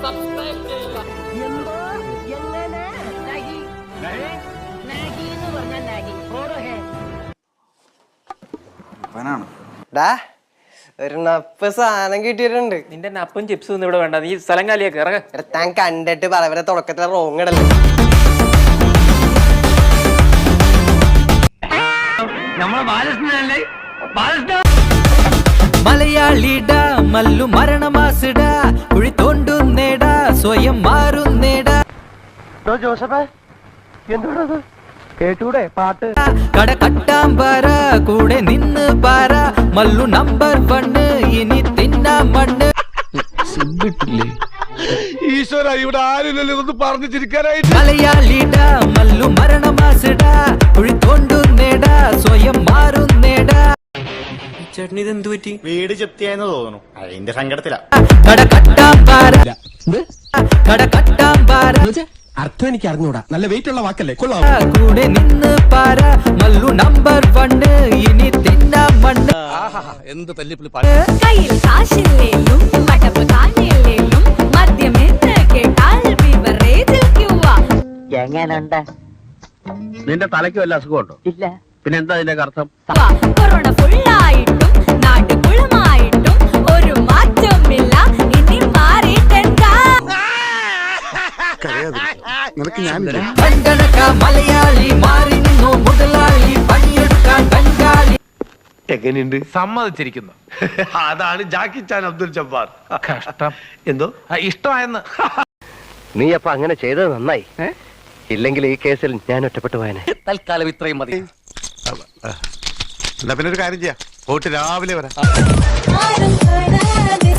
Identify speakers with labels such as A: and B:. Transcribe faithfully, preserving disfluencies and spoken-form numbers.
A: Subscribe ചെയ്യുക.
B: എന്തോ എങ്ങനെ നാഗി നാഗി എന്ന് പറഞ്ഞാൽ നാഗി ഓരോ ഹേ
C: ഡാ ഒരു നപ്പ് സാധനം കിട്ടിയിട്ടുണ്ട്.
A: നിന്റെ നപ്പും ചിപ്സും ഒന്നും ഇവിടെ വേണ്ട, നീ സ്ഥലം കാലിയാക്കി ഇറങ്ങ.
C: താൻ കണ്ടിട്ട് പറവരെ തുടക്കത്തിലെ റോങ് ഇടല്ലേ.
D: മലയാളിടാ മല്ലു മരണമാസിടാ കുഴി തോണ്ടുന്നേടാ സ്വയം മാറുന്നേടാ.
B: ജോസഫേ എന്തോടത് കേട്ടൂടെ പാട്ട്?
D: കട കട്ടാൻ പാറ കൂടെ നിന്ന് പാറ മല്ലു നമ്പർ വണ്ണ് ഇനി തിന്നാ മണ്ണ്.
E: ഈശ്വര ഇവിടെ ആരില്ലല്ലോ ഇതൊന്ന് പറഞ്ഞു ചിരിക്കാനായിട്ട്.
D: മലയാളിടാ മല്ലു മരണമാസിടാ കുഴി തോണ്ടുന്നേടാ സ്വയം മാറുന്നേടാ.
A: ചേട്ടന് ഇത് എന്ത് പറ്റി?
F: വീട് ചെത്തിയായെന്ന് തോന്നുന്നു, അതിന്റെ സങ്കടത്തിലാ.
D: കട കട്ടാൻ പാറ കട കട്ടാൻ പാറ
E: അർത്ഥം എനിക്ക് അറിഞ്ഞൂടാ, നല്ല വെയിറ്റ് ഉള്ള വാക്കല്ലേ, കൊള്ളാം.
D: കൂടെ നിന്ന് പാറ മല്ലു നമ്പർ വണ്ണ് ഇനി തിന്നാ മണ്ണ്.
E: എന്ത് തല്ലിപ്പിളി.
G: കയ്യിൽ കാശില്ലേലും മടപ്പ് കാഞ്ഞില്ലേലും മദ്യമെന്ന് കേട്ടാൽ ബിവറേജിൽ ക്യൂവാ.
B: എങ്ങനുണ്ട്?
E: നിന്റെ തലയ്ക്ക് വല്ല അസുഖമുണ്ടോ?
B: ഇല്ല.
E: പിന്നെ എന്താ അതിന്റെ അർത്ഥം?
G: കൊറോണ ഫുള്ളായിട്ടും നാട് കുളമായിട്ടും ഒരു മാറ്റമില്ല, ഇനി മാറിയിട്ടെന്താ.
D: കണ്ടണക്ക മലയാളി മാറി നിന്നു മുതലാളി പണിയെടുക്കാൻ ബംഗാളി.
E: എങ്ങനെയുണ്ട്? സമ്മതിച്ചിരിക്കുന്നു. അതാണ് ജാക്കി ചാൻ അബ്ദുൽ ജബ്ബാർ. കഷ്ടം. എന്തോ ഇഷ്ടമായെന്ന്.
C: നീ അപ്പൊ അങ്ങനെ ചെയ്തത് നന്നായി, ഇല്ലെങ്കിൽ ഈ കേസിൽ ഞാൻ ഒറ്റപ്പെട്ടു പോയനെ.
A: തൽക്കാലം ഇത്രയും മതി.
E: എന്നാ പിന്നെ ഒരു കാര്യം ചെയ്യാം, പോയിട്ട് രാവിലെ വരാം.
G: ആരും കാണാതെ